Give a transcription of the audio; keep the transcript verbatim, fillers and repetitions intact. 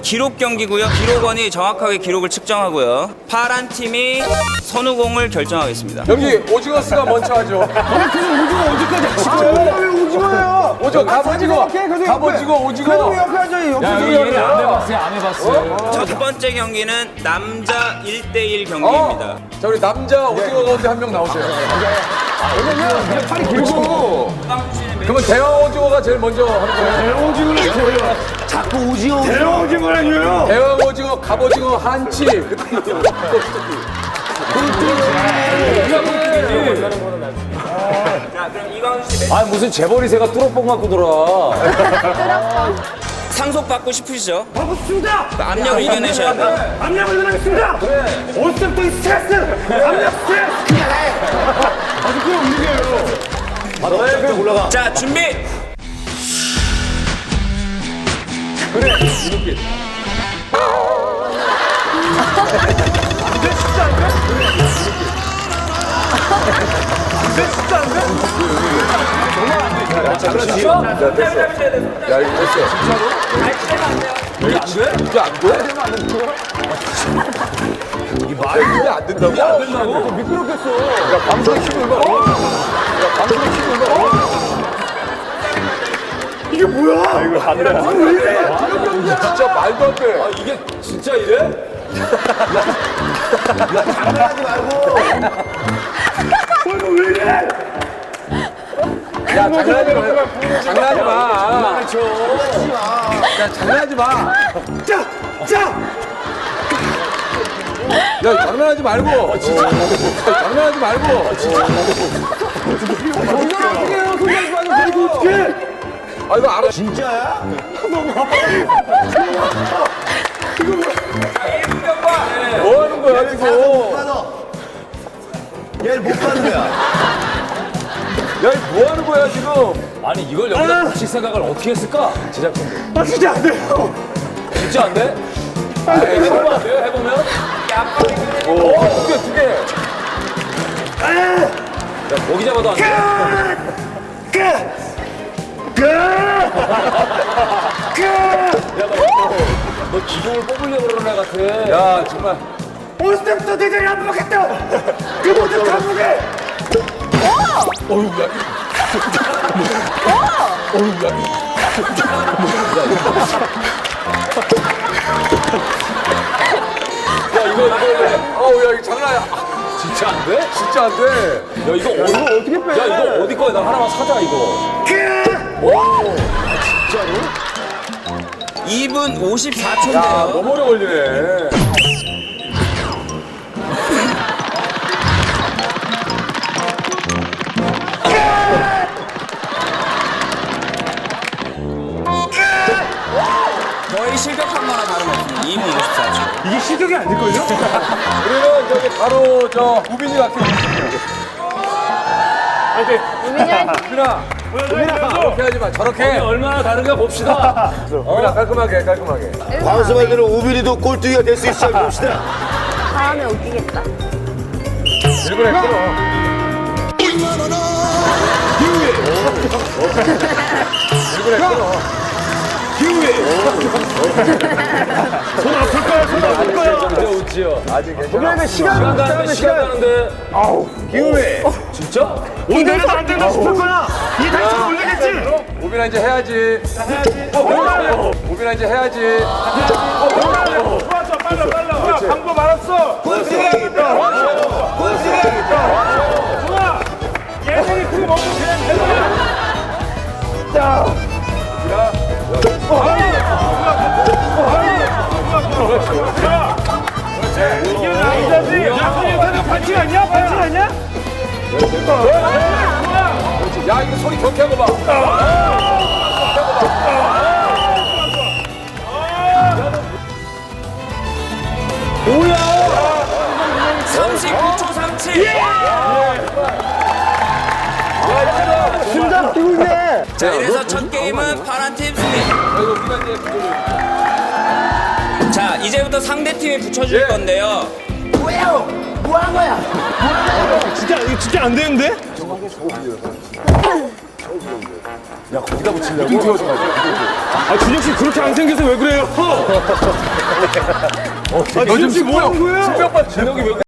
기록 경기고요. 기록원이 정확하게 기록을 측정하고요. 파란 팀이 선우공을 결정하겠습니다. 여기 오징어스가 먼저 하죠. 오징어 언제까지 하시고요? 왜 오징어예요? 오징어 갑오징어, 갑오징어, 오징어. 그래도 옆에 앉아요. 옆에 야, 앉아요. 얘네 안 해봤어요, 안 해봤어요. 첫 번째 경기는 남자 일 대 일 경기입니다. 어. 자, 우리 남자 오징어 가운데 한 명 나오세요. 왜냐면 팔이 길고. 그러면 대왕 오징어가 제일 먼저 하는 거예요. 대왕 오징어는 뭐예요? 자꾸 오징어. 대왕 오징어라뇨요. 대왕 오징어, 갑오징어, 한치. 그때 자, 그럼 이광수 씨 아, 무슨 재벌이새가 뚜러뽕 갖고 돌아. 상속 받고 싶으시죠? 하고 싶습니다. 압력을 이겨내셔야 돼요. 압력을 일어나겠습니다. 올 때부터 이 스트레스. 압력 스트레스. 아주 그냥 움직여요. 아, 너의 그냥 올라가. 자, 준비! 야, 이거 됐어. 진짜로? 이게 안 돼? 이게 안 돼? 이게 말이 안 된다고? 안 된다고? 미끄럽겠어. 야, 방송 힘을 봐. 야, 방송 힘을 봐. 이게 뭐야? 이거 안 돼. 진짜 말도 안 돼. 아, 이게 진짜 이래? 이거 왜 이래? 야, 장난하지 마. 장난하지 마. 야, 장난하지 마. 자, 자. 야, 장난하지 말고. 진짜. 장난하지 말고. 정말 어떻게 해요? 손가락 빠져. 그리고 어떻게? 아, 이거 알아. 진짜야? 뭐 하는 거야, 지금? 얘를 못 가는 거야. 야, 이거 뭐 하는 거야, 지금? 아니, 이걸 여기다 붙일 생각을 어떻게 했을까? 제작진들. 아 진짜 안 돼요. 진짜 안 돼? 아, 해보면 안 돼요? 해보면? 오, 두 개, 두 개. 야, 고기 잡아도 안 돼? 너 기둥을 뽑으려고 그러는 애 같아. 야, 정말. 올 때부터 대장이 안 먹겠다. 그 모든 감옥에. 어휴, 야. 어휴, 야. 야, 이거, 이거, 어우, 야, 이거 장난이야. 진짜 안 돼? 진짜 안 돼. 야, 이거 어디, 어떻게 빼? 야, 이거 어디 거야? 나 하나만 사자, 이거. 이 분 오십사 야, 초인데요. 너무 오래 걸리네. 거의 실격한 거나 다름없습니다. 이 분 오십사 초. 이게 시적이 아닐걸요? 우리는 저기 바로 저 우빈이 같은 우빈아, 우빈아, 저렇게 하지 마. 저렇게. 얼마나 다른가 봅시다. 우빈아, 깔끔하게, 깔끔하게. 광수 말대로 우빈이도 꼴뚜기가 될 수 있을지 한번 봅시다. 다음에 웃기겠다. 일본에 끊어. 일본에 끊어. 손 아플 거야. 손 아플 거야. 진짜 웃지요. 아직 괜찮아. 시간 시간 가는데, 시간 가는데. 아우 기회. 진짜? 오늘은 안 된다 싶을 거야. 이 다시 올리겠지. 우빈아 이제 해야지. 우빈아 이제 해야지. 좋았어 빨라 빨라. 방법 알았어. 군수행이다. 군수행이다. 좋아. 예능이 그거 먹고 그냥 내려. 자. 이게 남자지. 야, 선생님 반칙 아니야? 반칙 아니야? 야, 이거 소리 경쾌한 거 봐. 삼십구 초 삼칠. 심장 뛰고 있네. 자, 이래서 첫 게임은 파란 팀 승리. 자, 이제부터 상대 팀이 붙여줄 예. 건데요. 진짜 이거 진짜 안 되는데? 야, 거기다 붙이려고? 눈 튀어서 가지. 아, 준혁 씨 그렇게 안 생겨서 왜 그래요? 아, 준혁 씨 뭐 하는 거예요? 신병 봐, 준혁이 왜